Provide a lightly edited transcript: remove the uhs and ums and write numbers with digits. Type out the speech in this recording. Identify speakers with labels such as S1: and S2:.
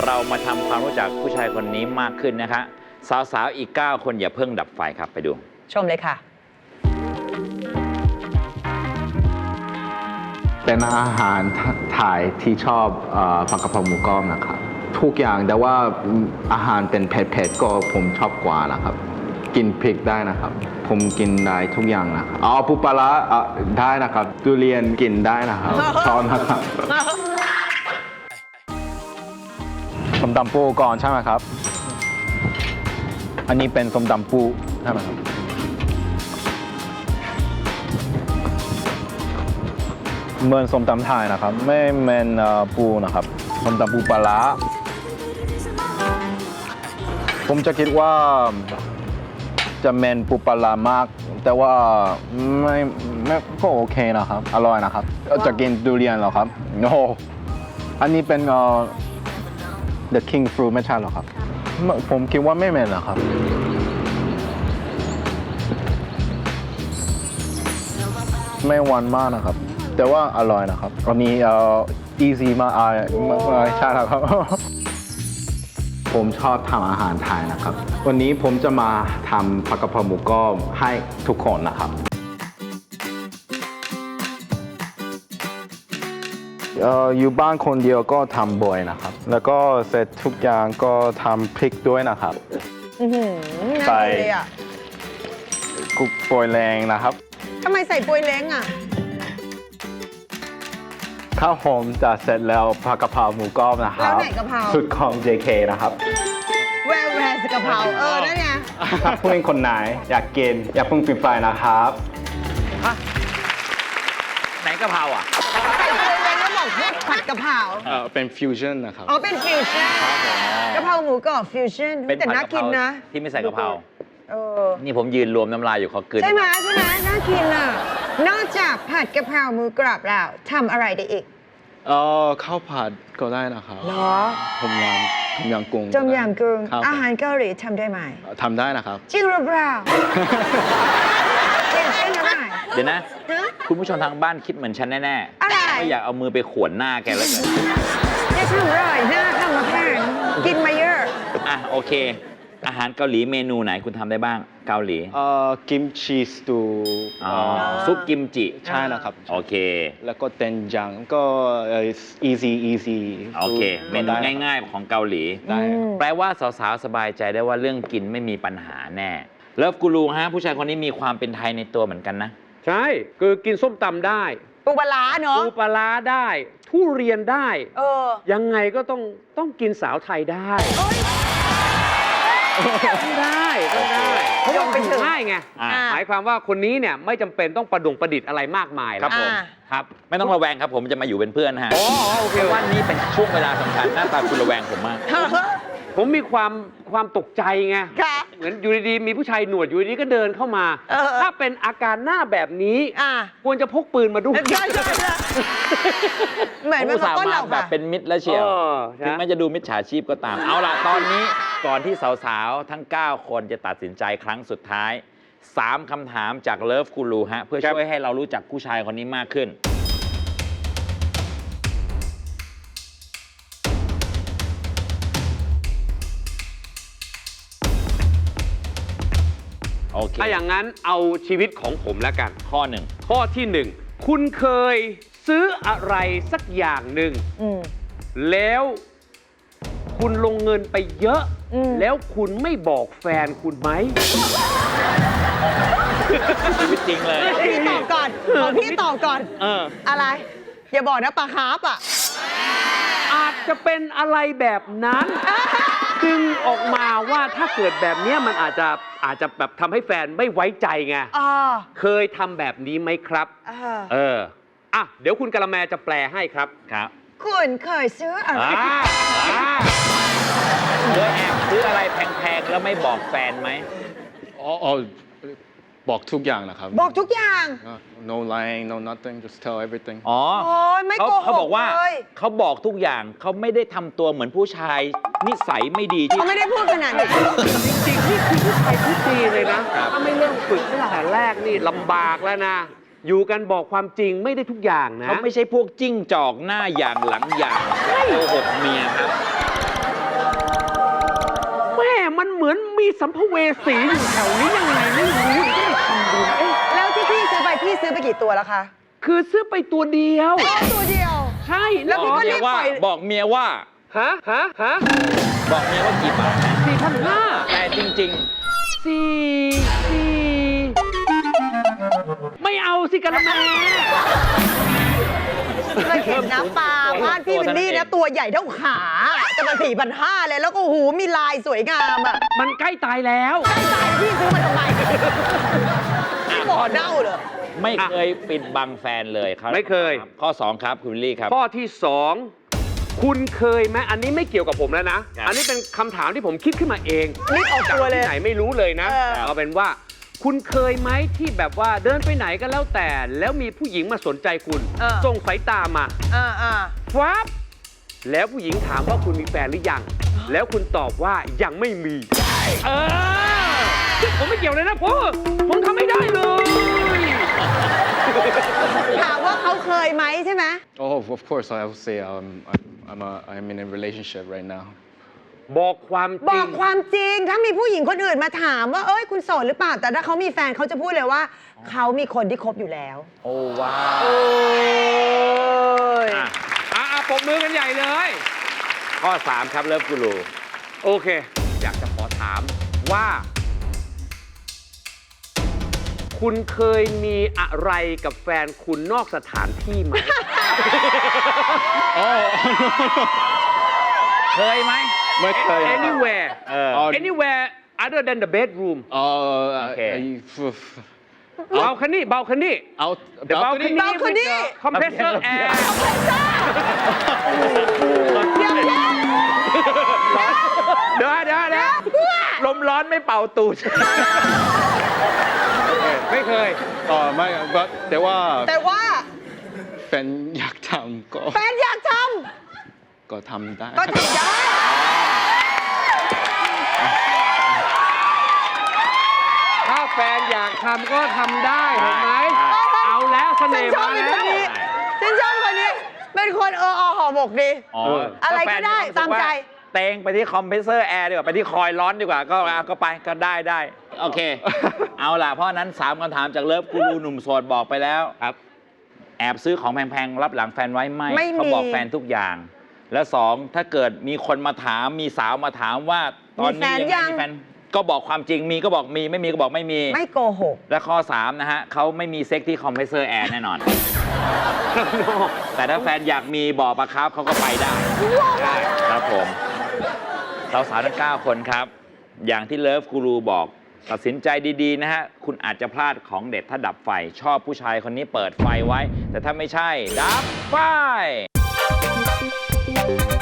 S1: เรามาทำความรู้จักผู้ชายคนนี้มากขึ้นนะคะสาวๆอีก9คนอย่าเพิ่งดับไฟครับไปดู
S2: ชมเลยค่ะ
S3: เป็นอาหารไทยที่ชอบผัดกะเพราหมูกรอบนะครับทุกอย่างแต่ว่าอาหารเป็นเผ็ดๆก็ผมชอบกว่านะครับกินพริกได้นะครับผมกินได้ทุกอย่างนะครับปูปลาร้าได้นะครับทุเรียนกินได้นะครับชอบนะครับส้มตำปูก่อนใช่ไหมครับอันนี้เป็นส้มตำปูใช่ไหมครับเหมือนส้มตำไทยนะครับไม่เหมือนปูนะครับส้มตำปูปลาร้าผมจะคิดว่าจะเหม็นปูปลาร้ามากแต่ว่าไม่ก็โอเคนะครับอร่อยนะครับจะกินทุเรียนเหรอครับโอ้อันนี้เป็นThe King Fruit ไม่ใช่หรอครับผมคิดว่าไม่เหม็นหรอครับไม่หวานมากนะครับแต่ว่าอร่อยนะครับอันนี้easy มากใช่ครับ ผมชอบทำอาหารไทยนะครับวันนี้ผมจะมาทำผัดกะเพราหมูกรอบให้ทุกคนนะครับอยู่บ้านคนเดียวก็ทำบ่อยนะครับแล้วก็เสร็จทุกอย่างก็ทำพริกด้วยนะครับ
S2: ใส่
S3: กุ๊กปอยแรงนะครับ
S2: ทำไมใส่ปอยแรงอ่ะ
S3: ข้าวหอมจะเสร็จแล้วผัดกะเพราหมูกรอบนะครับ
S2: แล้วไหนกะเพรา
S3: สุดของ JK นะครับ
S2: แวร์กะเพรานั่นไง
S3: ถ้าเพื่อนคนไหนอยากกินอย่าเพิ่งปิดไฟนะครับ
S1: ไหนกะเพราอ่ะ
S2: ใส่ปอยแรงแล้วบอกผัดกะเพรา
S3: เป็นฟิวชั่นนะครับ
S2: เป็นฟิวชั่นกะเพราหมูกรอบฟิวชั่นแต่น่ากินนะ
S1: ที่ไม่ใส่กะเพรานี่ผมยืนรวมน้ำลายอยู่เขาเกิน
S2: ใช่ไหมน่ากินอ่ะนอกจากผัดกะเพราหมูกรอบแล้วทำอะไรได้อีก
S3: ข้าวผัดก็ได้นะครับ
S2: เหรอ
S3: ต้มยำกุ้ง
S2: อาหารเกาหลีทำได้ไหม
S3: ทำได้นะครับ
S2: จริงหรือเปล่าเช่นอะไร
S1: เดี๋ยวนะคุณผู้ชมทางบ้านคิดเหมือนฉันแน่ๆ
S2: อะไร
S1: ไม่อยากเอามือไปขวนหน้าแกแล้วไง
S2: จะทำอะไรหน้าทำมาแพงกินมาเยอะ
S1: โอเคอาหารเกาหลีเมนูไหนคุณทำได้บ้างเกาหลี
S3: กิมชีสตู
S1: ซุปกิมจิ
S3: ใช่แล้วครับ
S1: โอเค
S3: แล้วก็เต็นจังก็ easy
S1: โอเคเมนูง่ายๆของเกาหลีแปลว่าสาวๆสบายใจได้ว่าเรื่องกินไม่มีปัญหาแน่เลิฟกูรูฮะผู้ชายคนนี้มีความเป็นไทยในตัวเหมือนกันนะ
S4: ใช่คือกินส้มตำได้
S2: ปูปลาร้าเนาะ
S4: ปูปลาร้าได้ทุเรียนได้ยังไงก็ต้องกินสาวไทยได้ได้เพราะว่าเป็นง่ายไงหมายความว่าคนนี้เนี่ยไม่จำเป็นต้องประดิษฐ์อะไรมากมาย
S1: ครับผมครับไม่ต้องระแวงครับผมจะมาอยู่เป็นเพื่อนฮะโอเคว่านี่เป็นช่วงเวลาสำคัญหน้าตาคุณระแวงผมมาก
S4: ผมมีความตกใจไงเหมือนอยู่ดีๆมีผู้ชายหนวดอยู่ดีๆก็เดินเข้ามาถ้าเป็นอาการหน้าแบบนี้ควรจะพกปืนมาด้วย
S2: เหมือนมัน
S1: สามารถแบบเป็นมิตรและเชียวถึงแม้จะดูมิจฉาชีพก็ตามเอาล่ะตอนนี้ก่อนที่สาวๆทั้ง9คนจะตัดสินใจครั้งสุดท้าย3คำถามจากเลิฟกูรูฮะเพื่อช่วยให้เรารู้จักผู้ชายคนนี้มากขึ้น
S4: ถ้าอย่างนั้นเอาชีวิตของผมแล้วกัน
S1: ข้อ
S4: ที่ 1คุณเคยซื้ออะไรสักอย่างหนึ่งแล้วคุณลงเงินไปเยอะแล้วคุณไม่บอกแฟนคุณไหม
S1: ชีวิตจริงเลย
S2: พี่ตอบก่อนพี่ตอบก่อนอะไรอย่าบอกนะปลาคาร์ฟอ่ะ
S4: อาจจะเป็นอะไรแบบนั้นดึงออกมาว่าถ้าเกิดแบบนี้มันอาจจะแบบทำให้แฟนไม่ไว้ใจไงเคยทำแบบนี้ไหมครับเดี๋ยวคุณกะละแมจะแปลให้ครับ
S2: คุณเคยซื้ออะไร
S1: เคยแอบซื้ออะไรแพงๆแล้วไม่บอกแฟนไหม
S3: บอกทุกอย่างนะครับ
S2: บอกทุกอย่าง
S3: no lying no nothing just tell everything
S2: ไม่โกหก
S1: เขาบอกว่าเขาบอกทุกอย่างเขาไม่ได้ทำตัวเหมือนผู้ชายนิสัยไม่ดี
S2: เขาไม่ได้พูดขนาดนี้
S4: จริงๆนี่คือผู้ชายที่ดีเลยนะถ้าไม่เริ่มฝึกตั้งแต่แรกนี่ลำบากแล้วนะอยู่กันบอกความจริงไม่ได้ทุกอย่างนะ
S1: เขาไม่ใช่พวกจิ้งจอกหน้าอย่างหลังอย่างโกหกเมียครับ
S4: เหมือนมีสัมภเวสีอยู่แถวนี้ยังไงไม่รู้ก็เลยทำดูเอ๊ะ
S2: แล้วที่พี่ซื้อไปกี่ตัวแล้วคะ
S4: คือซื้อไปตัวเดียว
S2: ตัวเดียว
S4: ใช่
S2: แล้วพี่ก็
S1: เมี
S2: รี
S1: ย
S2: บ
S1: ว่า
S2: ปล่อย
S1: บอกเมียว่า
S4: ฮะ
S1: บอกเมียว่ากี่บาทนะ
S4: 4,500
S1: แต่จริง
S4: ไม่เอาสิกันแม่
S2: เคยเห็นนะปลาบ้านพี่วินนี่นะตัวใหญ่เท่าขาจะมา4,500เลยแล้วก็หูมีลายสวยงามอ่ะ
S4: มันใกล้ตายแล้ว
S2: ใกล้ตายพี่ซื้อมาทำไมพี่บ่อเน่าเหรอ
S1: ๆ ไม่เคยปิดบังแฟนเลยครับ
S4: ไม่เคย
S1: ข้อ 2 ครับคุณวิลลี่ครับ
S4: ข้อที่ 2 คุณเคยไหมอันนี้ไม่เกี่ยวกับผมแล้วนะ
S1: ครับ
S4: อันนี้เป็นคำถามที่ผมคิดขึ้นมาเอง
S2: รีบออกตัวเลย
S4: ที่ไหนไม่รู้เลยนะ
S2: เออ
S4: เอาเป็นว่า คุณเคยไหมที่แบบว่าเดินไปไหนก็แล้วแต่ แล้วมีผู้หญิงมาสนใจคุณส่งสายตามาฟับแล้วผู้หญิงถามว่าคุณมีแฟนหรือยัง แล้วคุณตอบว่ายังไม่มีผมไม่เกี่ยวเลยนะผมทำไม่ได้เลย
S2: ถามว่าเขาเคยไหมใช่ไหม
S3: Oh, of course, I would say I'm in a relationship right now.
S4: บอกความจ
S2: บ
S4: ริ
S2: อง กความจริง ถ้ามีผู้หญิงคนอื่นมาถามว่าเอ้ยคุณโสดหรือเปล่า แต่ถ้าเขามีแฟนเขาจะพูดเลยว่าเขามีคนที่คบอยู่แล้ว
S1: โอ้ว้าว
S2: โอ้ย
S4: ปรบมือกันใหญ่เลย
S1: ข้อ 3 ครับเลิฟกูรู
S4: โอเค อยากจะขอถามว่า คุณเคยมีอะไรกับแฟนคุณนอกสถานที่ไหม
S1: เคยไหม
S3: ไม่เคย
S4: anywhere
S1: เออ
S4: anywhere other than the bedroom
S1: Okay.
S4: เบาคันนี่
S3: Out
S4: เดี๋ยวเบาคันนี่
S2: balcony
S4: compressor air เดี๋ยว
S1: ลมร้อนไม่เป่าตูด
S4: ไม่เคย
S3: ไม่แต่ว่า
S2: แต่ว่า
S3: แฟนอยากทำก็
S2: แฟนอยากท
S3: ก็ทำได้
S2: ำก็ทำได้
S4: ถ้าแฟนอยากทำก็ทำได้เห็นไหม เอาแล้วเส
S2: ฉั
S4: น่
S2: น
S4: ห์
S2: ชอบ
S4: มา
S2: เป็น
S4: แล้
S2: คน
S4: ว
S2: นี้ฉันชอบคนนี้ เป็นคนห่อหมกดี อะไรก็ได้ตามใจ
S1: เตงไปที่คอมเพรสเซอร์แอร์ดีกว่า ไปที่คอยล์ร้อนดีกว่า ก็ไปก็ได้ โอเค เอาล่ะ เพราะฉะนั้น 3 คำถามจากเลิฟกูรูหนุ่มโสดบอกไปแล้ว
S4: ครับ
S1: แอบซื้อของแพงๆ รับหลังแฟนไว้ไม่
S2: ไม่มี
S1: เขาบอกแฟนทุกอย่าง และ2ถ้าเกิดมีคนมาถามมีสาวมาถามว่าตอนนี้ยังมีแฟนก็บอกความจริงมีก็บอกมีไม่มีก็บอกไม่มี
S2: ไม่โกหก
S1: และข้อ 3 นะฮะเขาไม่มีเซ็กที่คอมเพรสเซอร์แอร์แน่นอน แต่ถ้าแฟนอยากมีบอกปะครับเขาก็ไปได้ครับผมสาวๆทั้ง 9 คนครับ อย่างที่เลิฟกูรูบอก ตัดสินใจดีๆ นะฮะ คุณอาจจะพลาดของเด็ดถ้าดับไฟ ชอบผู้ชายคนนี้เปิดไฟไว้ แต่ถ้าไม่ใช่ ดับไฟ